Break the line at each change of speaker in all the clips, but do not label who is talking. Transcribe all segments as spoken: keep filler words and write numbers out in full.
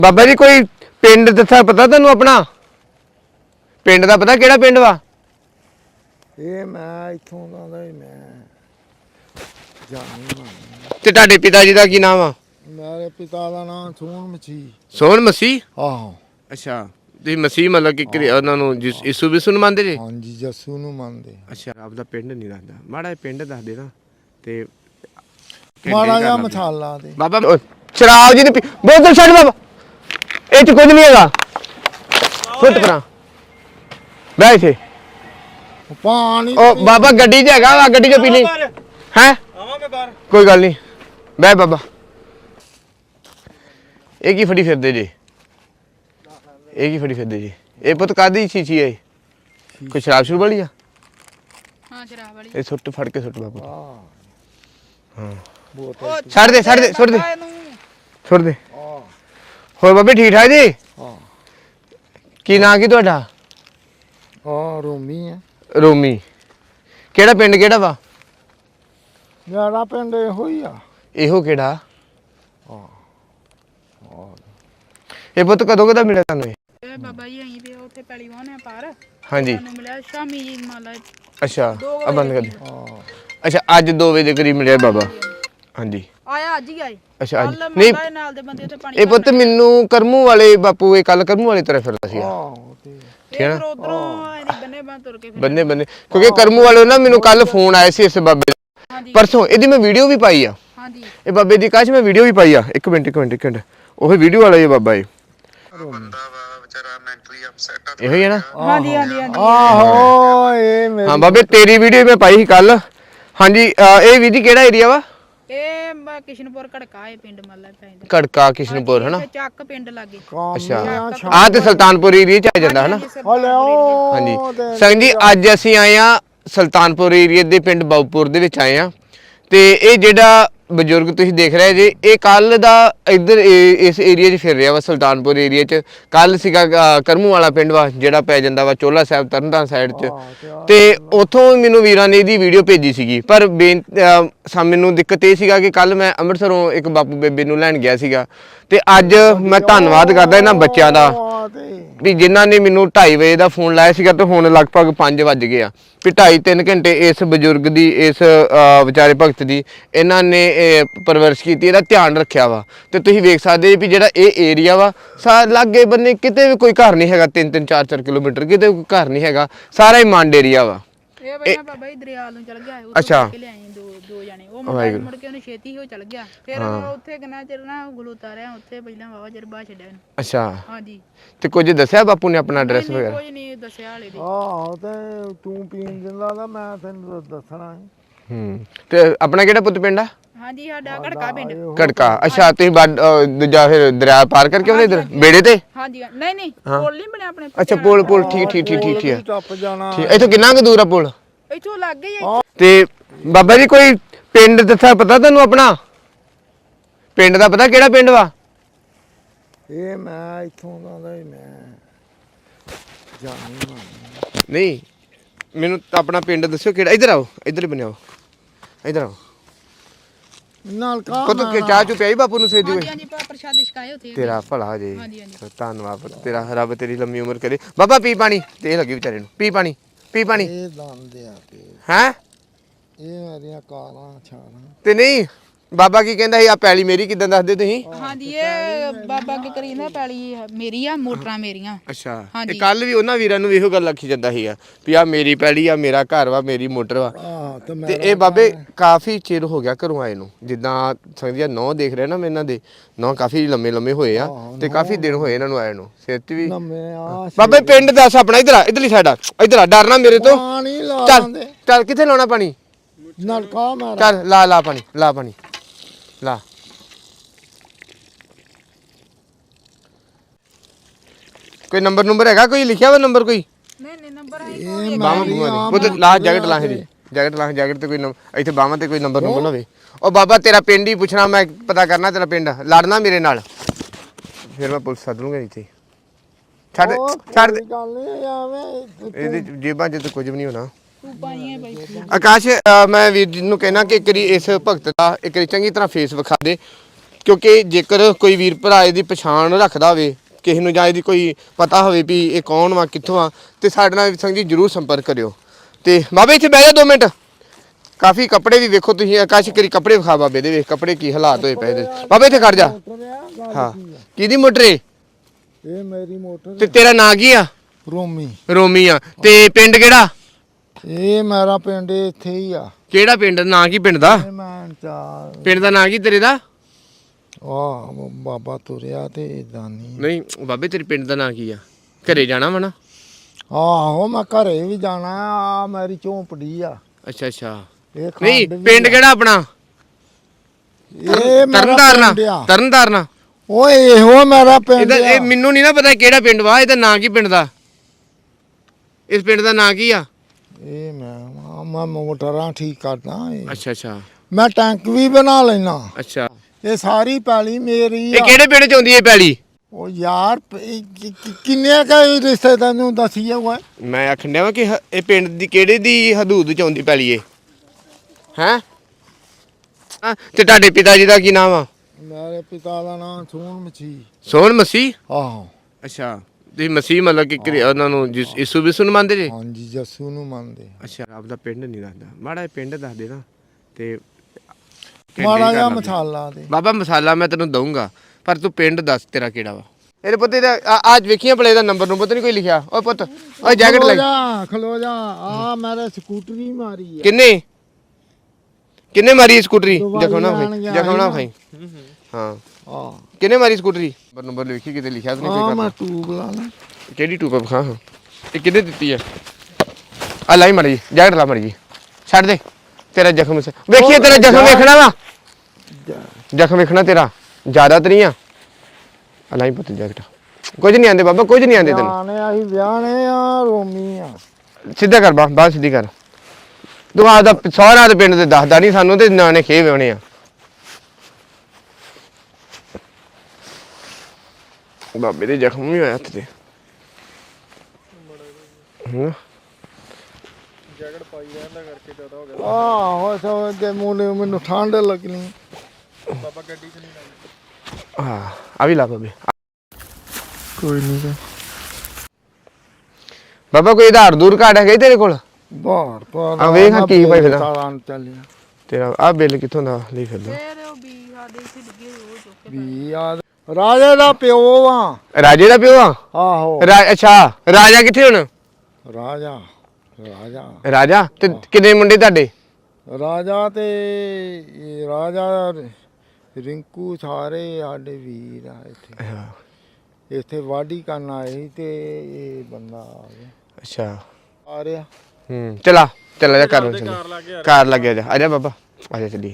बाबा जी कोई पिंड दसा पता तेन अपना पिंड का पता केड़ा पिंड वा
ये मैं इत्थों दा मैं जानी
ते तुहाडे पिता जी का की नाम आ
मेरे पिता का नाम सोहन मसीह
सोहन मसीह
आहो
अच्छा तुसीं मसीह मतलब कि उन्हां नूं यीशु विसु नूं मनदे जे
हाँ जी जस्सू नूं मनदे
अच्छा आपदा पिंड नहीं दसदा माड़ा पिंड दस दे ना ते
माड़ा जिहा मसाला दे
बाबा शराब जी ने बोतल छड्ड बाबा ਇਹ ਚ ਕੁਝ ਨਹੀਂ ਹੈਗਾ ਫੁੱਟ ਪਰਾਂ ਬਹਿ ਇੱਥੇ
पानी
ਉਹ ਬਾਬਾ ਗੱਡੀ 'ਚ ਹੈਗਾ ਵਾ ਗੱਡੀ 'ਚ ਪੀ ਲਈ ਹੈ ਆਵਾਂ ਮੈਂ ਬਾਹਰ ਕੋਈ ਗੱਲ ਨਹੀਂ ਬਹਿ ਬਾਬਾ ਇਹ ਕੀ ਫੜੀ ਫਿਰਦੇ ਜੀ ਇਹ ਕੀ ਫੜੀ ਫਿਰਦੇ ਜੀ ਇਹ ਪੁੱਤ ਕਾਦੀ ਚੀਚੀ ਹੈ ਕੋਈ ਸ਼ਰਾਬ ਸ਼ੁਰੂ ਵਾਲੀ ਆ
ਹਾਂ ਸ਼ਰਾਬ ਵਾਲੀ
ਇਹ ਸੁੱਟ ਫੜ ਕੇ ਸੁੱਟ ਬਾਬਾ ਹਾਂ
बोतल
ਛੱਡ ਦੇ ਛੱਡ ਦੇ ਸੁੱਟ ਦੇ ਸੁੱਟ ਦੇ ਹੋਰ ਬਾਬੇ ਠੀਕ ਠਾਕ ਜੀ
हाँ
ਕੀ ਨਾਂ ਕੀ ਤੁਹਾਡਾ
हाँ रोमी है
ਰੋਮੀ ਕਿਹੜਾ ਪਿੰਡ ਕਿਹੜਾ ਵਾ
मेरा पिंड इहो ही आ
ਇਹੋ ਕਿਹੜਾ
हाँ
ਇਹ ਪੁੱਤ ਕਦੋਂ ਕਦਾ ਮਿਲਿਆ ਤੁਹਾਨੂੰ ਇਹ
ਇਹ ਬਾਬਾ ਜੀ ਆਈ ਵੀ ਉੱਥੇ ਪੈਲੀ ਵਾਹਨੇ ਪਾਰ
ਹਾਂਜੀ
ਸਾਨੂੰ ਮਿਲਿਆ ਸ਼ਾਮੀ ਜੀ ਮਾਲਾ
ਅੱਛਾ ਆ ਬੰਦ ਕਰ ਦੇ
हाँ
ਅੱਛਾ ਅੱਜ ਦੋ ਵਜੇ ਦੇ ਕਰੀਬ ਮਿਲਿਆ ਬਾਬਾ ਹਾਂਜੀ
ਆਇਆ ਅੱਜ ਹੀ ਆਏ
ਅੱਛਾ ਅੱਜ
ਕੱਲ
ਨਹੀਂ
ਮਾਲਾ ਦੇ ਨਾਲ ਦੇ ਬੰਦੇ ਉੱਥੇ ਪਾਣੀ
ਇਹ ਪੁੱਤ ਮੈਨੂੰ ਕਰਮੂ ਵਾਲੇ ਬਾਪੂ ਇਹ ਕੱਲ ਕਰਮੂ ਵਾਲੇ ਤਰ੍ਹਾਂ ਫਿਰਦਾ ਸੀਗਾ
हाँ ते
ਠੀਕ ਹੈ ਨਾ
ਫਿਰ ਉਧਰੋਂ ਇਹਦੀ ਬੰਨੇ ਬੰਨ ਤੁਰ ਕੇ ਫਿਰ
ਬੰਨੇ ਬੰਨੇ ਕਿਉਂਕਿ ਕਰਮੂ ਵਾਲੇ ਨਾ ਮੈਨੂੰ ਕੱਲ ਫੋਨ ਆਇਆ ਸੀ ਇਸ ਬਾਬੇ ਦਾ
ਹਾਂਜੀ
ਪਰਸੋਂ ਇਹਦੀ ਮੈਂ ਵੀਡੀਓ ਵੀ ਪਾਈ ਆ
ਹਾਂਜੀ
ਇਹ ਬਾਬੇ ਦੀ ਕਾਸ਼ ਮੈਂ ਵੀਡੀਓ ਵੀ ਪਾਈ ਆ ਇੱਕ ਮਿੰਟ ਇੱਕ ਮਿੰਟ ਇੱਕ ਮਿੰਟ ਉਹ ਵੀਡੀਓ ਵਾਲਾ ਇਹ ਬਾਬਾ ਇਹ
ਬੰਦਾ ਵਾ ਵਿਚਾਰਾ ਮੈਂਟਲੀ ਅਪਸੈਟ ਆ
ਇਹੋ ਹੀ ਹੈ ਨਾ
ਹਾਂਜੀ ਹਾਂਜੀ ਹਾਂਜੀ
आहो ये मेरी
ਹਾਂ ਬਾਬੇ ਤੇਰੀ ਵੀਡੀਓ ਮੈਂ ਪਾਈ ਸੀ ਕੱਲ ਹਾਂਜੀ ਅਹ ਇਹ ਵੀਰ ਜੀ ਕਿਹੜਾ ਏਰੀਆ ਵਾ
ਇਹ ਮ- ਕਿਸ਼ਨਪੁਰ ਘੜਕਾ ਇਹ ਪਿੰਡ ਮਾਲਾ ਪੈਂਦਾ
ਕੜਕਾ ਕਿਸ਼ਨਪੁਰ ਹਨਾ
ਤੇ ਚੱਕ ਪਿੰਡ ਲਾਗੇ
काम
ਅੱਛਾ
में
ਆ ਤੇ ਸੁਲਤਾਨਪੁਰ ਏਰੀਆ ਚ ਆ ਜਾਂਦਾ ਹਨਾ
हेलो
ਹਾਂਜੀ ਸੰਗ ਜੀ ਅੱਜ ਅਸੀਂ ਆਏ ਆ ਸੁਲਤਾਨਪੁਰ ਏਰੀਆ ਦੇ ਪਿੰਡ ਬਾਉਪੁਰ ਦੇ ਵਿੱਚ ਆਏ ਆ ਤੇ ਇਹ ਜਿਹੜਾ ਬਜ਼ੁਰਗ ਤੁਸੀਂ ਦੇਖ ਰਹੇ ਜੇ ਇਹ ਕੱਲ ਦਾ ਇੱਧਰ ਇਹ- ਇਸ ਏਰੀਆ 'ਚ ਫਿਰ ਰਿਹਾ ਵਾ ਸੁਲਤਾਨਪੁਰ ਏਰੀਆ 'ਚ ਕੱਲ ਸੀਗਾ ਅ, ਕਰਮੂ ਵਾਲਾ ਪਿੰਡ ਵਾ ਜਿਹੜਾ ਪੈ ਜਾਂਦਾ ਵਾ ਚੋਲਾ ਸਾਹਿਬ ਤਰਨਤਾਰਨ ਸਾਈਡ 'ਚ ਤੇ ਉਥੋਂ ਮੈਨੂੰ ਵੀਰਾਂ ਨੇ ਇਹਦੀ ਵੀਡੀਓ ਭੇਜੀ ਸੀਗੀ ਪਰ ਬੇਨ- ਅ, ਸਾ ਮੈਨੂੰ ਦਿੱਕਤ ਇਹ ਸੀਗਾ ਕਿ ਕੱਲ ਮੈਂ ਅੰਮ੍ਰਿਤਸਰੋਂ ਇੱਕ ਬਾਪੂ ਬੇਬੇ ਨੂੰ ਲੈਣ ਗਿਆ ਸੀਗਾ ਤੇ ਅੱਜ ਮੈਂ ਧੰਨਵਾਦ ਕਰਦਾ ਇਹਨਾਂ ਬੱਚਿਆਂ ਦਾ ਵੀ ਜਿਨ੍ਹਾਂ ਨੇ ਮੈਨੂੰ ਢਾਈ ਵਜੇ ਦਾ ਫੋਨ ਲਾਇਆ ਸੀਗਾ ਤੇ ਹੁਣ ਲਗਭਗ ਪੰਜ ਵੱਜ ਗਏ ਆ ਵੀ ਢਾਈ ਤਿੰਨ ਘੰਟੇ ਇਸ ਬਜ਼ੁਰਗ ਦੀ ਇਸ ਅ, ਵਿਚਾਰੇ ਭਗਤ ਦੀ ਇਹਨਾਂ ਨੇ ਇਹ ਪਰਵਰਿਸ਼ ਕੀਤੀ ਇਹਦਾ ਧਿਆਨ ਰੱਖਿਆ ਵਾ ਤੇ ਤੁਸੀਂ ਵੇਖ ਸਕਦੇ ਵੀ ਜਿਹੜਾ ਇਹ ਏਰੀਆ ਵਾ ਸਾ ਲਾਗੇ ਬੰਨੇ ਕਿਤੇ ਵੀ ਕੋਈ ਘਰ ਨਹੀਂ ਹੈਗਾ ਤਿੰਨ ਤਿੰਨ ਚਾਰ ਚਾਰ ਕਿਲੋਮੀਟਰ ਕਿਤੇ ਕੋਈ ਘਰ ਨਹੀਂ ਹੈਗਾ ਸਾਰਾ ਹੀ ਮੰਡ ਏਰੀਆ ਵਾ
ਇਹ ਬਈਆ ਬਾਬਾ ਜੀ ਦਰਿਆਲ ਨੂੰ ਚਲ ਗਿਆ ਉਹ
ਅੱਛਾ।
ਕੇ ਲਿਆਏ ਦੋ ਦੋ ਜਣੇ ਉਹ ਮੁੰਡਾ ਮੁੜ ਕੇ ਉਹਨੇ ਛੇਤੀ ਹੋ ਚਲ ਗਿਆ ਫਿਰ ਉਹ ਉੱਥੇ ਕਿੰਨਾ ਚਿਰ ਨਾ ਗਲੂਤਾ ਰਿਹਾ ਉੱਥੇ ਪਹਿਲਾਂ ਵਾਵਾ ਚਿਰ ਬਾਹਰ ਛੱਡਿਆ ਉਹਨੂੰ
ਅੱਛਾ
ਹਾਂਜੀ
ਤੇ ਕੁਝ ਦੱਸਿਆ ਬਾਪੂ ਨੇ ਆਪਣਾ ਐਡਰੈਸ
ਨਹੀਂ,
ਵਗੈਰਾ
ਕੁਝ ਨਹੀਂ ਦੱਸਿਆ ਹਾਲੇ ਦੇ
ਆਹੋ ਤੇ ਤੂੰ ਪੀਣ ਦਿੰਦਾ ਤਾਂ ਮੈਂ ਤੈਨੂੰ ਦੱਸਣਾ ਸੀ
ਹੂੰ ਤੇ ਆਪਣਾ ਕਿਹੜਾ ਪੁੱਤ ਪਿੰਡ ਆ
ਹਾਂਜੀ ਸਾਡਾ ਘੜਕਾ ਪਿੰਡ
ਕੜਕਾ ਅੱਛਾ ਤੁਸੀਂ ਬਾਡ- ਅਹ ਦੂਜਾ ਫਿਰ ਦਰਿਆ ਪਾਰ ਕਰਕੇ ਉਹਨੇ ਇਧਰ ਬੇੜੇ ਤੇ
ਹਾਂਜੀ ਨਹੀਂ ਨਹੀਂ ਪੁਲ ਨਹੀਂ ਬਣਿਆ ਆਪਣੇ
ਅੱਛਾ ਪੁਲ ਪੁਲ ਠੀਕ ਠੀਕ ਠੀਕ ਠੀਕ ਠੀਕ
ਟੱਪ ਜਾਣਾ
ਠੀਕ ਇੱਥੋਂ ਕਿੰਨਾ ਕੁ ਦੂਰ ਆ ਪੁਲ
ਇੱਥੋਂ ਲੱਗ ਗਈ ਹੈ
ਤੇ ਬਾਬਾ ਜੀ ਕੋਈ ਪਿੰਡ ਦੱਸਾ ਪਤਾ ਤੁਹਾਨੂੰ ਆਪਣਾ ਪਿੰਡ ਦਾ ਪਤਾ ਕਿਹੜਾ ਪਿੰਡ ਵਾ
ਇਹ ਮੈਂ ਇੱਥੋਂ ਦਾ ਦਾ ਹੀ ਮੈਂ ਜਾਣੀ
ਨਹੀਂ ਮੈਨੂੰ ਤਾਂ ਆਪਣਾ ਪਿੰਡ ਦੱਸਿਓ ਕਿਹੜਾ ਇੱਧਰ ਆਓ ਇੱਧਰ ਹੀ ਬਣਿਆਓ ਇੱਧਰ ਆਓ
ਨਾਲ ਕਾ
ਪੁੱਤ ਕਿ ਚਾਹ ਚੁ ਪਿਆਈ ਬਾਪੂ ਨੂੰ ਸੇਦੀ
ਹਾਂਜੀ
ਹੋਈ
ਹਾਂਜੀ ਭਾ ਪ੍ਰਸ਼ਾਦ ਛਕਾਏ ਉੱਥੇ
ਤੇਰਾ ਭਲਾ ਜੇ
ਹਾਂਜੀ, ਹਾਂਜੀ।
ਚਲੋ ਧੰਨਵਾਦ ਪੁੱਤ, ਤੇਰਾ ਰੱਬ ਤੇਰੀ ਲੰਮੀ ਉਮਰ ਕਰੇ ਬਾਬਾ ਪੀ ਪਾਣੀ ਤੇ ਲੱਗੀ ਵਿਚਾਰੇ ਨੂੰ ਪੀ ਪਾਣੀ ਪੀ ਪਾਣੀ
ਇਹ ਦੰਦ ਆ ਕੇ
ਹੈ
ਇਹ ਮੇਰੀਆਂ ਕਾਰਾਂ ਛਾਲਾਂ
ਤੇ ਨਹੀਂ ਬਾਬਾ ਕੀ ਕਹਿੰਦਾ ਸੀ ਆ ਪੈਲੀ ਮੇਰੀ ਕਿਦਾਂ ਦੱਸਦੇ ਤੁਸੀਂ
ਹਾਂਜੀ ਇਹ ਬਾਬਾ ਕੀ ਕਰੀ ਨਾ ਪੈਲੀ ਮੇਰੀ ਆ ਮੋਟਰਾਂ ਮੇਰੀਆਂ
ਅੱਛਾ ਤੇ
ਹਾਂਜੀ।
ਕੱਲ ਵੀ ਉਹਨਾਂ ਵੀਰਾਂ ਨੂੰ ਇਹੋ ਗੱਲ ਆਖੀ ਜਾਂਦਾ ਸੀਗਾ ਵੀ ਆ ਮੇਰੀ ਪੈਲੀ ਆ ਮੇਰਾ ਘਰ ਵਾ ਮੇਰੀ ਮੋਟਰ ਵਾ
ਆਹ ਤੇ ਮੈਂ
ਤੇ ਇਹ ਬਾਬੇ ਕਾਫੀ ਚਿਰ ਹੋ ਗਿਆ ਘਰੋਂ ਆਏ ਨੂੰ ਜਿੱਦਾਂ ਸੰਗਦੀਆਂ ਨੌ ਦੇਖ ਰਹੇ ਨਾ ਮੈਂ ਇਹਨਾਂ ਦੇ ਨੌ ਕਾਫੀ ਲੰਮੇ ਲੰਮੇ ਹੋਏ ਆ ਤੇ ਕਾਫੀ ਦਿਨ ਹੋਏ ਇਹਨਾਂ ਨੂੰ ਆਏ ਨੂੰ ਸਿਰ ਤੇ ਵੀ
ਨਵੇਂ ਆ
ਬਾਬੇ ਪਿੰਡ ਦੱਸ ਆਪਣਾ ਇਧਰ ਆ ਇਧਰਲੀ ਸਾਈਡ ਆ ਇਧਰ ਆ ਡਰਨਾ ਮੇਰੇ ਤੋਂ
ਪਾਣੀ ਲਾ
ਚੱਲ
ਲਾਂਦੇ
ਚੱਲ ਕਿੱਥੇ ਲਾਉਣਾ ਪਾਣੀ
ਨਲਕਾ ਮਾਰ
ਚੱਲ ਲਾ ਲਾ ਪਾਣੀ ਲਾ ਪਾਣੀ ਲਾ ਕੋਈ ਨੰਬਰ ਨੰਬਰ ਹੈਗਾ ਕੋਈ ਲਿਖਿਆ ਵਾ ਨੰਬਰ ਕੋਈ
ਨਹੀਂ ਨਹੀਂ ਨੰਬਰ
ਇਹ
ਬਾਹਾਂ
ਮੇਰੀ
ਬੂਹਾਂ
ਆਮ
ਦੇ ਉਹ ਲਾ ਜੈਕਟ ਲਾ ਇਹਦੀ ਜੈਕਟ ਲਾ ਜੈਕਟ ਤੇ ਕੋਈ ਨੰਬਰ ਇੱਥੇ ਬਾਹਾਂ ਤੇ ਕੋਈ ਨੰਬਰ ਨੰਬਰ ਨਾ ਹੋਵੇ ਉਹ ਬਾਬਾ ਤੇਰਾ ਪਿੰਡ ਹੀ ਪੁੱਛਣਾ ਮੈਂ ਪਤਾ ਕਰਨਾ ਤੇਰਾ ਪਿੰਡ ਲੜਨਾ ਮੇਰੇ ਨਾਲ ਫਿਰ ਮੈਂ ਪੁਲਿਸ ਸੱਦ ਲੂੰਗਾ ਇੱਥੇ ਛੱਡ
ਉਹ
ਛੱਡ ਦੇ
ਕੋਈ ਗੱਲ ਨਹੀਂ ਆਵੇਂ
ਇਹਦੀ ਜੇਬਾਂ 'ਚ ਤਾਂ ਕੁਝ ਵੀ ਨਹੀਂ ਹੋਣਾ
ਤੂੰ ਪਾਈਏ ਬਾਈ
ਆਕਾਸ਼ ਅ, ਮੈਂ ਵੀਰ ਜੀ ਨੂੰ ਕਹਿਣਾ ਕਿ ਇੱਕ ਵਾਰੀ ਇਸ ਭਗਤ ਦਾ ਇੱਕ ਵਾਰੀ ਚੰਗੀ ਤਰ੍ਹਾਂ ਫੇਸ ਵਿਖਾ ਦੇ ਕਿਉਂਕਿ ਜੇਕਰ ਕੋਈ ਵੀਰ ਭਰਾ ਇਹਦੀ ਪਛਾਣ ਰੱਖਦਾ ਹੋਵੇ ਕਿਸੇ ਨੂੰ ਜਾਂ ਇਹਦੀ ਕੋਈ ਪਤਾ ਹੋਵੇ ਵੀ ਇਹ ਕੌਣ ਵਾ ਕਿੱਥੋਂ ਆ ਤੇ ਸਾਡੇ ਨਾਲ ਸੰਗ ਜੀ ਜਰੂਰ ਸੰਪਰਕ ਕਰਿਓ। ਤੇ ਬਾਬੇ ਇੱਥੇ ਬਹਿ ਜਾ ਦੋ ਮਿੰਟ। ਕਾਫੀ ਕੱਪੜੇ ਵੀ ਵੇਖੋ ਤੁਸੀਂ ਆਕਾਸ਼ ਕਰੀ ਕੱਪੜੇ ਵਿਖਾ ਬਾਬੇ ਦੇ ਵੇਖ ਕੱਪੜੇ ਕੀ ਹਾਲਾਤ ਹੋਏ ਪਏ ਇਹਦੇ। ਬਾਬੇ ਇੱਥੇ ਖੜ ਜਾ। ਹਾਂ ਕਿਹਦੀ ਮੋਟਰ ਏ?
ਇਹ ਮੇਰੀ ਮੋਟਰ
ਤੇ ਤੇਰਾ ਨਾਂ ਕੀ ਆ?
ਰੋਮੀ।
ਰੋਮੀ ਆ। ਤੇ ਪਿੰਡ ਕਿਹੜਾ?
ਇਹ ਮੇਰਾ ਪਿੰਡ ਇੱਥੇ ਹੀ ਆ।
ਕਿਹੜਾ ਪਿੰਡ? ਨਾਂ ਕੀ ਪਿੰਡ ਦਾ?
ਇਹ ਮੈਂ ਚਾਰ
ਪਿੰਡ ਦਾ ਨਾਂ ਕੀ ਤੇਰੇ ਦਾ?
ਆ ਬਾਬਾ ਤੁਰਿਆ ਤੇ ਦਾਨੀ।
ਨਹੀਂ ਬਾਬੇ ਤੇਰੇ ਪਿੰਡ ਦਾ ਨਾਂ ਕੀ ਆ? ਘਰੇ ਜਾਣਾ ਵਾ ਨਾ?
ਆਹੋ ਮੈਂ ਘਰੇ ਵੀ ਜਾਣਾ ਆ। ਮੇਰੀ ਝੋਂਪੜੀ ਆ।
ਅੱਛਾ ਅੱਛਾ।
ਇਹ
ਨਹੀਂ
ਖੰਡ ਵੀ
ਪਿੰਡ
ਆ।
ਕਿਹੜਾ ਆਪਣਾ?
ਇਹ ਮੇਰਾ
ਤਰਨਤਾਰਨ
ਪਿੰਡ ਆ।
ਤਰਨਤਾਰਨ।
ਓਏ ਇਹੋ ਮੇਰਾ ਪਿੰਡ
ਇਹਦਾ
ਆ।
ਇਹ ਮੈਨੂੰ ਨਹੀਂ ਨਾ ਪਤਾ ਕਿਹੜਾ ਪਿੰਡ ਵਾ। ਇਹਦਾ ਨਾਂ ਕੀ ਪਿੰਡ ਦਾ? ਇਸ ਪਿੰਡ ਦਾ ਨਾਂ ਕੀ ਆ?
ਇਹ ਮੈਂ ਮੈਂ ਮੋਟਰਾਂ ਠੀਕ ਕਰਦਾ। ਇਹ
ਅੱਛਾ ਅੱਛਾ
ਮੈਂ ਟੈਂਕ ਵੀ ਬਣਾ ਲੈਣਾ।
ਅੱਛਾ।
ਇਹ ਸਾਰੀ ਪੈਲੀ ਮੇਰੀ
ਇਹ
ਆ।
ਕਿਹੜੇ ਪਿੰਡ ਚ ਆਉਂਦੀ ਹੈ ਪੈਲੀ?
ਉਹ ਯਾਰ ਪ- ਇਹ ਕਿ- ਕਿ- ਕਿੰਨੇ ਕਾ ਰਿਸ਼ਤੇ ਤੈਨੂੰ ਦੱਸੀਏ ਓਏ।
ਮੈਂ ਆਖਣ ਡਿਆ ਵਾਂ ਕਿ ਹ- ਇਹ ਪਿੰਡ ਦੀ ਕਿਹੜੇ ਦੀ ਹਦੂਦ ਚ ਆਉਂਦੀ ਪੈਲੀ ਏ? ਹੈਂ ਹਾਂ, ਤੇ ਤੁਹਾਡੇ ਪਿਤਾ ਜੀ ਦਾ ਕੀ ਨਾਮ ਆ?
ਮੇਰੇ ਪਿਤਾ ਦਾ ਨਾਮ ਸੋਹਣ ਮਛੀ।
ਸੋਹਣ ਮਸੀਹ।
ਆਹੋ
ਅੱਛਾ ਤੁਸੀਂ ਮਸੀਹ ਮਤਲਬ ਕਿ ਕਿ ਉਹਨਾਂ ਨੂੰ ਜਿਸ ਯਿਸੂ ਵਿਸੂ ਨੂੰ ਮੰਨਦੇ ਜੇ?
ਹਾਂਜੀ ਜੱਸੂ ਨੂੰ ਮੰਨਦੇ।
ਅੱਛਾ ਆਪਦਾ ਪਿੰਡ ਨਹੀਂ ਦੱਸਦਾ। ਮਾੜਾ ਜਿਹਾ ਪਿੰਡ ਦੱਸ ਦੇ ਨਾ ਤੇ ਘੰਟੇ
ਮਾੜਾ
ਕਰ
ਜਿਹਾ
ਲਾਂਗੇ।
ਮਸਾਲਾ ਦੇ।
ਬਾਬਾ ਮਸਾਲਾ ਮੈਂ ਤੈਨੂੰ ਦਊਂਗਾ ਪਰ ਤੂੰ ਪਿੰਡ ਦੱਸ ਤੇਰਾ ਕਿਹੜਾ ਵਾ। ਇਹਦੇ ਪੁੱਤ ਇਹਦਾ ਆ- ਅੱਜ ਵੇਖੀਆਂ ਭਲੇ ਦਾ ਨੰਬਰ ਨੂੰ ਪਤਾ ਨਹੀਂ ਕੋਈ ਲਿਖਿਆ। ਓਏ ਪੁੱਤ ਓਏ ਜੈਕਟ
ਖਲੋ
ਲੈ
ਜਾ ਖਲੋ ਜਾ। ਆ ਮੇਰੇ ਸਕੂਟਰੀ ਮਾਰੀ ਆ।
ਕਿੰਨੇ ਕਿੰਨੇ ਮਾਰੀ ਸਕੂਟਰੀ?
ਦਵਾਈ
ਜਖਮ ਨਾ
ਲੈਣ
ਖਾਈ
ਗਿਆ
ਜਖਮ ਨਾ
ਸੀ
ਖਾਈ। ਹਾਂ
ਆ
ਕਿੰਨੇ ਮਾਰੀ ਸਕੂਟਰੀ? ਨੰਬਰ ਨੰਬਰ ਲਿਖੀ ਕਿਤੇ ਲਿਖਿਆ ਤਾਂ ਨਹੀਂ
ਆ
ਕੋਈ
ਮੈਂ
ਕਰਦਾ।
ਟੂਬ ਲਾ ਲਾ।
ਕਿਹੜੀ ਟੂਪ ਵਿਖਾ ਹਾਂ ਇਹ ਕਿਹਨੇ ਦਿੱਤੀ ਹੈ? ਆ ਲਾਈ ਮੜੀ ਜੈਕਟ ਲਾ ਮੜੀ ਛੱਡ ਦੇ ਤੇਰਾ ਜ਼ਖਮ ਸੇ ਵੇਖੀਏ ਤੇਰਾ ਜ਼ਖਮ ਵੇਖਣਾ ਵਾ। ਜ਼ਖਮ ਵੇਖਣਾ ਤੇਰਾ ਜ਼ਿਆਦਾ ਤਾਂ ਨਹੀਂ ਆ। ਆ ਲਾਈ ਪੁੱਤ ਜੈਕਟ। ਕੁਝ ਨਹੀਂ ਆਂਦੇ ਬਾਬਾ ਕੁਝ ਨਹੀਂ ਆਂਦੇ ਤੈਨੂੰ।
ਵਿਆਹਣੇ ਆਹੀ ਵਿਆਹਣੇ ਆ ਰੋਮੀ ਆ।
ਸਿੱਧਾ ਕਰ ਬਾ ਬਾਹਰ ਸਿੱਧੀ ਕਰ। ਤੂੰ ਆਪਦਾ ਸਹੁਰਾ ਦੇ ਪਿੰਡ ਦੇ ਦੱਸਦਾ ਨਹੀਂ ਸਾਨੂੰ ਤੇ ਨਾਨੇ ਖੇ ਵਿਆਉਣੇ ਆ। ਬਾਬੇ ਦੇ ਜ਼ਖਮ ਵੀ ਹੋਇਆ ਹੱਥ ਤੇ। ਹੂੰ
ਜੈਕਟ ਪਾਈ ਰਹਿੰਦਾ ਕਰਕੇ ਜ਼ਿਆਦਾ ਹੋ ਗਿਆ। ਆਹੋ ਸੋ ਜੇ ਮੂਨੇ ਮੈਨੂੰ ਠੰਡ ਲੱਗਣੀ। ਬਾਬਾ ਗੱਡੀ ਚ ਨਹੀਂ ਲਾਈ।
ਹਾਂ ਆ ਵੀ ਲਾ ਬਾਬੇ।
ਕੋਈ ਨਹੀਂ
ਬਾਬਾ ਕੋਈ ਆਧਾਰ ਦੂਰ ਕਾਰਡ ਹੈਗਾ ਤੇਰੇ ਕੋਲ?
ਬਾਹਰ ਪਰ
ਆ ਵੇਖ ਹਾਂ ਕੀ ਭਾਈ ਫਿਰਦਾ।
ਤਾਲਾਂ ਚੱਲਿਆ
ਤੇਰਾ ਆ ਬਿੱਲ ਕਿੱਥੋਂ ਦਾ ਲਈ ਫਿਰਦਾ?
ਫੇਰ ਉਹ ਵੀ ਸਾਡੇ ਇੱਥੇ ਡਿੱਗੇ ਉਹ ਚੁੱਕ ਕੇ
ਵੀ ਯਾਦ ਰਾਜੇ ਦਾ ਪਿਓ ਆ।
ਰਾਜੇ ਦਾ ਪਿਓ ਆ?
ਆਹੋ
ਰਾ- ਅੱਛਾ ਰਾਜਾ ਕਿੱਥੇ ਹੁਣ?
ਰਾਜਾ ਰਾਜਾ
ਰਾਜਾ ਤੇ ਕਿੰਨੇ ਮੁੰਡੇ ਤੁਹਾਡੇ?
ਰਾਜਾ ਤੇ ਇਹ ਰਾਜਾ ਰਿੰਕੂ ਸਾਰੇ ਸਾਡੇ ਵੀਰ ਆ ਇੱਥੇ। ਇੱਥੇ ਵਾਢੀ ਕਰਨ ਆਏ ਸੀ ਤੇ ਇਹ ਬੰਦਾ ਆ ਗਿਆ।
ਅੱਛਾ
ਆ ਰਿਹਾ।
ਹੂੰ ਚਲਾ ਚਲਾ ਜਾ ਕਰ ਚੱਲ ਕਾਰ ਲੱਗਿਆ ਜਾ ਆ ਜਾ ਬਾਬਾ ਆ ਜਾ ਚੱਲੀਏ।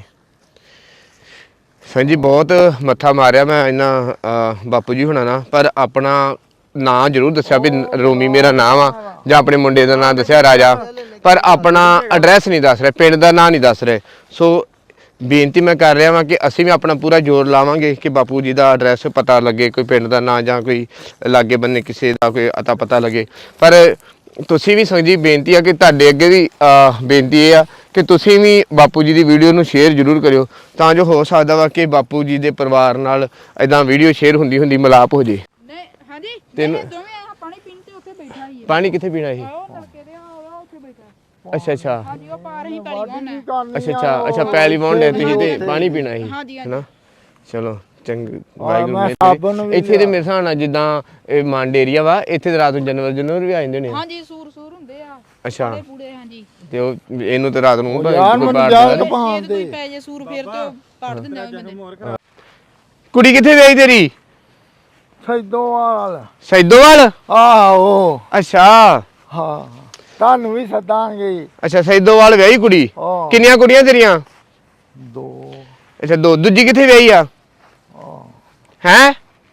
ਸੰਜੀ ਬਹੁਤ ਮੱਥਾ ਮਾਰਿਆ ਮੈਂ ਇਹਨਾਂ ਬਾਪੂ ਜੀ ਹੁਣਾਂ ਨਾਲ ਪਰ ਆਪਣਾ ਨਾਂ ਜ਼ਰੂਰ ਦੱਸਿਆ ਵੀ ਰੋਮੀ ਮੇਰਾ ਨਾਮ ਆ ਜਾਂ ਆਪਣੇ ਮੁੰਡੇ ਦਾ ਨਾਂ ਦੱਸਿਆ ਰਾਜਾ ਪਰ ਆਪਣਾ ਐਡਰੈਸ ਨਹੀਂ ਦੱਸ ਰਹੇ ਪਿੰਡ ਦਾ ਨਾਂ ਨਹੀਂ ਦੱਸ ਰਹੇ। ਸੋ ਬੇਨਤੀ ਮੈਂ ਕਰ ਰਿਹਾ ਵਾਂ ਕਿ ਅਸੀਂ ਵੀ ਆਪਣਾ ਪੂਰਾ ਜ਼ੋਰ ਲਾਵਾਂਗੇ ਕਿ ਬਾਪੂ ਜੀ ਦਾ ਐਡਰੈਸ ਪਤਾ ਲੱਗੇ ਕੋਈ ਪਿੰਡ ਦਾ ਨਾਂ ਜਾਂ ਕੋਈ ਲਾਗੇ ਬੰਨੇ ਕਿਸੇ ਦਾ ਕੋਈ ਅਤਾ ਪਤਾ ਲੱਗੇ। ਪਰ ਤੁਸੀਂ ਵੀ ਸੰਜੀ ਬੇਨਤੀ ਆ ਕਿ ਤੁਹਾਡੇ ਅੱਗੇ ਵੀ ਬੇਨਤੀ ਇਹ ਆ ਕਿ ਤੁਸੀਂ ਵੀ ਬਾਪੂ ਜੀ ਦੀ ਵੀਡੀਓ ਨੂੰ ਸ਼ੇਅਰ ਜ਼ਰੂਰ ਕਰਿਓ ਤਾਂ ਜੋ ਹੋ ਸਕਦਾ ਵਾ ਕਿ ਬਾਪੂ ਜੀ ਦੇ ਪਰਿਵਾਰ ਨਾਲ ਇਦਾਂ ਵੀਡੀਓ ਸ਼ੇਅਰ ਹੁੰਦੀ ਹੁੰਦੀ ਮਿਲਾਪ ਹੋ ਜੇ।
ਨਹੀਂ ਹਾਂਜੀ
ਤੈਨੂੰ-
ਨਹੀਂ, ਦੋਵੇਂ ਆ ਪਾਣੀ ਪੀਣ ਤੇ ਉੱਥੇ ਬੈਠਾ ਹੀ ਹੈ।
ਪਾਣੀ ਕਿੱਥੇ ਪੀਣਾ ਇਹ?
ਆਓ ਤੜਕੇ ਦੇ ਆਓ ਉੱਥੇ ਬੈਠਾ।
ਅੱਛਾ ਅੱਛਾ
ਹਾਂਜੀ ਉਹ ਪਾਰ ਹੀ ਪੈਲੀ ਗਾਉਣਾ।
ਅੱਛਾ ਅੱਛਾ ਅੱਛਾ ਪੈਲੀ ਵਾਉਂਦੇ ਤੁਸੀਂ ਤੇ ਪਾਣੀ ਪੀਣਾ ਸੀ
ਹਾਂਜੀ,
ਹੈਨਾ। ਚਲੋ ਚੰਗ
ਮੈਂ
ਵਾਹਿਗੁਰੂ
ਸਾਬਣ
ਨੇ
ਵੀ
ਇੱਥੇ ਦੇ ਮੇਰੇ ਹਿਸਾਬ ਨਾਲ ਜਿੱਦਾਂ ਇਹ ਮੰਡ ਏਰੀਆ ਵਾ ਇੱਥੇ ਤੇ ਰਾਤ ਨੂੰ ਜਾਨਵਰ ਜਾਨਵਰ ਵੀ ਆ ਜਾਂਦੇ ਨੇ।
ਹਾਂਜੀ ਸੂਰ ਸੂਰ ਹੁੰਦੇ ਆ
ਅੱਛਾ
ਪੂੜੇ ਪੂੜੇ ਹਾਂਜੀ।
ਤੇ ਉਹ ਇਹਨੂੰ ਤੇ ਰਾਤ ਨੂੰ
ਉਹ
ਭਾਵੇਂ
ਯਾਰ
ਕੋਈ
ਮੈਨੂੰ
ਬਾਹਰ
ਯਾਦ
ਦਾ-
ਜੇ
ਪਾਉਣ
ਕੋਈ
ਦੇ।
ਪੈ ਜੇ ਸੂਰ ਫੇਰ ਤੇ ਉਹ ਕੱਢ ਦਿੰਦੇ ਆ ਬੰਦੇ।
ਕੁੜੀ ਕਿੱਥੇ ਵਿਆਹੀ ਤੇਰੀ?
ਸੈਦੋਵਾਲ।
ਸੈਦੋਵਾਲ?
ਆਹੋ
ਅੱਛਾ
ਹਾਂ ਤੁਹਾਨੂੰ ਵੀ ਸੱਦਾਂਗੇ।
ਅੱਛਾ ਸੈਦੋਵਾਲ ਵਿਆਹੀ ਕੁੜੀ।
ਆਹ
ਕਿੰਨੀਆਂ ਕੁੜੀਆਂ ਤੇਰੀਆਂ?
ਦੋ।
ਅੱਛਾ ਦੋ। ਦੂਜੀ ਕਿੱਥੇ ਵਿਆਹੀ ਆ? ਹੈ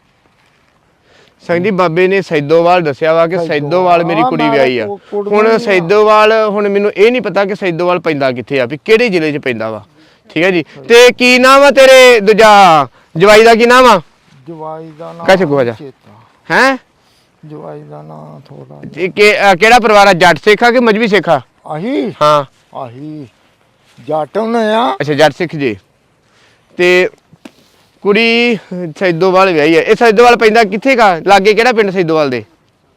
ਸੰਗਦੀ ਬਾਬੇ ਨੇ ਸੈਦੋਵਾਲ ਦੱਸਿਆ ਵਾ ਕਿ ਸੈਦੋਵਾਲ ਮੇਰੀ ਕੁੜੀ ਵਿਆਹੀ ਆ। ਹੁਣ ਸੈਦੋਵਾਲ ਹੁਣ ਮੈਨੂੰ ਇਹ ਨਹੀਂ ਪਤਾ ਕਿ ਸੈਦੋਵਾਲ ਪੈਂਦਾ ਕਿੱਥੇ ਆ ਵੀ ਕਿਹੜੇ ਜ਼ਿਲ੍ਹੇ 'ਚ ਪੈਂਦਾ ਵਾ। ਠੀਕ ਹੈ ਜੀ ਤੇ ਕੀ ਨਾਮ ਆ ਤੇਰੇ ਦੂਜਾ ਜਵਾਈ ਦਾ ਕੀ ਨਾਮ ਆ?
ਜਵਾਈ ਦਾ ਨਾਮ
ਕੱਚ ਗੋਆ ਜਾ। ਹੈ
ਜਵਾਈ ਦਾ ਨਾਮ ਥੋੜਾ
ਕਿਹੜਾ ਪਰਿਵਾਰ ਆ? ਜੱਟ ਸਿੱਖ ਆ ਕਿ ਮਜਬੀ ਸਿੱਖ ਆ?
ਆਹੀ
ਹਾਂ
ਆਹੀ ਜੱਟ ਨੇ ਆ।
ਅੱਛਾ ਜੱਟ ਸਿੱਖ ਜੀ। ਤੇ ਕੁੜੀ ਸੈਦੋਵਾਲ ਵਿਆਹੀ ਹੈ। ਇਹ ਸੈਦੋਵਾਲ ਪੈਂਦਾ ਕਿੱਥੇ ਕਾ ਲਾਗੇ ਕਿਹੜਾ ਪਿੰਡ ਸੈਦੋਵਾਲ ਦੇ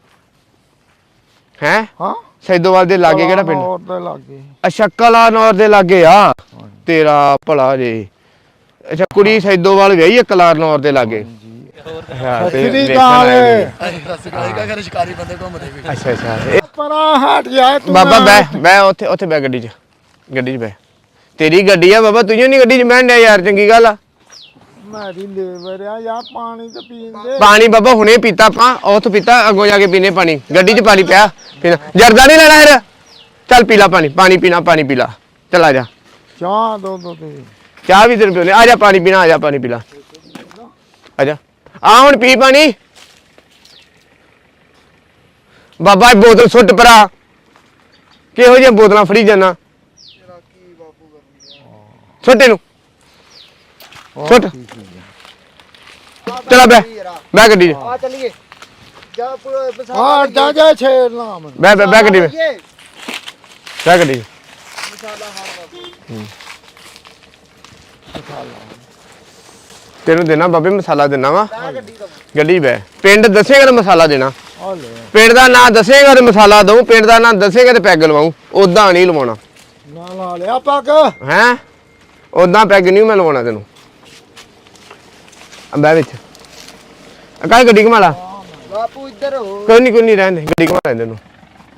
ਹੈ
ਹਾਂ
ਸੈਦੋਵਾਲ ਦੇ ਲਾਗੇ ਕਿਹੜਾ ਪਿੰਡ
ਹੋਰ ਦੇ ਲਾਗੇ
ਅੱਛਾ ਕਲਾਨੌਰ ਦੇ ਲਾਗੇ ਆ ਤੇਰਾ ਭਲਾ ਜੇ ਅੱਛਾ ਕੁੜੀ ਸੈਦੋਵਾਲ ਵਿਆਹੀ ਹੈ ਕਲਾਨੌਰ ਦੇ ਲਾਗੇ ਹਾਂ ਤੇ
ਸ੍ਰੀ
ਵੇਖਣ
ਅਕਾਲ।
ਆਏ ਨੇ।
ਸ਼ਿਕਾਰੀ ਬੰਦੇ ਘੁੰਮਦੇ ਵੀ
ਅੱਛਾ ਅੱਛਾ ਇਹ
ਪਰਾਂ ਹਟ ਜਾ ਤੂੰ
ਬਾਬਾ ਬੈ ਬੈ ਉੱਥੇ ਉੱਥੇ ਬੈ ਗੱਡੀ 'ਚ ਗੱਡੀ 'ਚ ਬੈ ਤੇਰੀ ਗੱਡੀ ਆ ਬਾਬਾ ਤੂੰ ਨਹੀਂ ਗੱਡੀ 'ਚ ਬਹਿਣ ਡਿਆ ਯਾਰ ਚੰਗੀ ਗੱਲ ਆ
ਮੇਰੀ ਲੇਬਰ ਆ ਯਾਰ ਪਾਣੀ ਤੇ ਪੀਣ ਦੇ
ਪਾਣੀ ਬਾਬਾ ਹੁਣੇ ਪੀਤਾ ਆਪਾਂ ਉੱਥੋਂ ਪੀਤਾ ਅੱਗੋਂ ਜਾ ਕੇ ਪੀਨੇ ਪਾਣੀ ਗੱਡੀ 'ਚ ਪਾਣੀ ਪਿਆ ਪੀਣਾ ਜਰਦਾ ਨਹੀਂ ਲੈਣਾ ਫਿਰ ਚੱਲ ਪੀ ਲਾ ਪਾਣੀ ਪਾਣੀ ਪੀਣਾ ਪਾਣੀ ਪੀ ਲਾ ਚੱਲ ਆ ਜਾ
ਚਾਹ ਦੋ ਦੋ ਤੇ
ਚਾਹ ਵੀ ਤੇਰੇ ਪਿਓ ਨੇ ਆ ਜਾ ਪਾਣੀ ਪੀਣਾ ਆ ਜਾ ਪਾਣੀ ਪੀ ਲਾ ਆ ਜਾ ਆ ਹੁਣ ਪੀ ਪਾਣੀ ਬਾਬਾ ਇਹ ਬੋਤਲ ਸੁੱਟ ਪਰਾ ਕਿਹੋ ਜਿਹੀਆਂ ਬੋਤਲਾਂ ਫੜੀ ਜਾਣਾ ਸੁੱਟ ਇਹਨੂੰ ਸੁੱਟ ਚਲਾ ਬੈ ਬੈ ਗੱਡੀ 'ਚ
ਆ ਚੱਲੀਏ ਜਾ
ਆ ਜਾ ਜਾ ਛੇੜ ਨਾ ਮੈਨੂੰ
ਬੈ ਬੈ ਬੈ ਗੱਡੀ 'ਚ ਬੈ ਗੱਡੀ 'ਚ ਤੈਨੂੰ ਦੇਣਾ ਬਾਬੇ ਮਸਾਲਾ ਦੇਣਾ ਵਾ ਗੱਡੀ ਬੈ ਪਿੰਡ ਦੱਸੇਗਾ ਤਾਂ ਮਸਾਲਾ ਦੇਣਾ
ਆ ਲੈ
ਪਿੰਡ ਦਾ ਨਾਂ ਦੱਸੇਗਾ ਤੇ ਮਸਾਲਾ ਦਊ ਪਿੰਡ ਦਾ ਨਾਂ ਦੱਸੇਗਾ ਤੇ ਪੈਗ ਲਵਾਉ ਉਦਾਂ ਨਹੀਂ ਲਵਾਉਣਾ
ਨਾ ਲਾ ਲਿਆ ਪੱਗ
ਹੈ ਉਦਾਂ ਪੈਗ ਨਹੀਂ ਮੈਂ ਲਵਾਉਣਾ ਤੈਨੂੰ ਅੰਬਾ ਵਿੱਚ ਅਕਾਲ ਗੱਡੀ ਘੁਮਾ ਲਾ
ਬਾਪੂ ਇੱਧਰ ਹੋ
ਕੋਈ ਨਹੀਂ ਕੋਈ ਨਹੀਂ ਰਹਿੰਦੇ ਗੱਡੀ ਘੁਮਾ ਲੈਂਦੇ ਨੂੰ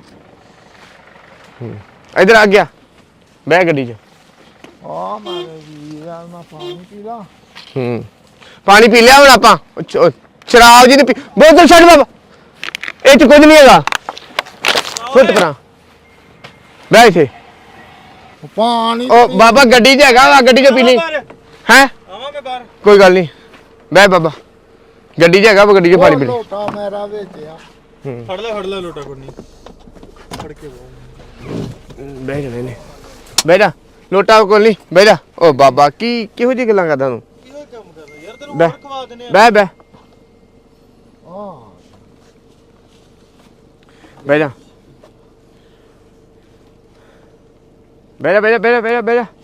ਇਧਰ ਆ ਗਿਆ ਬਹਿ ਗੱਡੀ 'ਚ
ਆ ਮਾਰੇ ਵੀਰ ਆ ਮੈਂ ਪਾਣੀ ਪੀ ਲਾ
ਹੂੰ ਪਾਣੀ ਪੀ ਲਿਆ ਹੁਣ ਆਪਾਂ ਉਹ ਚ- ਉਹ ਸ਼ਰਾਬ ਜੀ ਨੇ ਪੀ ਬੋਤਲ ਛੱਡ ਬਾਬਾ ਇਹ ਚ ਕੁਝ ਨਹੀਂ ਹੈਗਾ ਫੁੱਟ ਪਰਾਂ ਬਹਿ ਇੱਥੇ
ਪਾਣੀ
ਉਹ ਬਾਬਾ ਗੱਡੀ 'ਚ ਹੈਗਾ ਵਾ ਗੱਡੀ 'ਚ ਪੀ ਲਈ ਹੈ
ਆਵਾਂਗੇ ਬਾਹਰ
ਕੋਈ ਗੱਲ ਨਹੀਂ ਬਹਿ ਬਾਬਾ ਗੱਡੀ 'ਚ ਹੈਗਾ ਵਾ ਗੱਡੀ 'ਚ ਪਾਣੀ ਪੀ ਲਈ
ਲੋਟਾ ਮੇਰਾ ਵਿੱਚ ਆ
ਫੜ ਲੈ ਫੜ ਲੈ ਲੋਟਾ ਕੋਈ ਨਹੀਂ ਫੜ ਕੇ
ਬਹਿ ਜਾ ਨੇ ਬਹਿ ਜਾ ਲੋਟਾ ਕੋਲ ਨਹੀਂ ਬਹਿ ਜਾ ਉਹ ਬਾਬਾ ਕੀ ਕਿਹੋ ਜਿਹੀ ਗੱਲਾਂ ਕਰਦਾ ਤੂੰ
ਕਿਹੋ ਕੰਮ ਕਰਦਾ ਯਾਰ ਤੈਨੂੰ
ਬਹਿ
ਹੋਰ ਖਵਾ ਦਿੰਦੇ ਆ
ਬਹਿ ਬਹਿ
ਆ
ਬਹਿ ਜਾ ਬਹਿ ਜਾ ਬਹਿ ਜਾ ਬਹਿ ਜਾ ਬਹਿ ਜਾ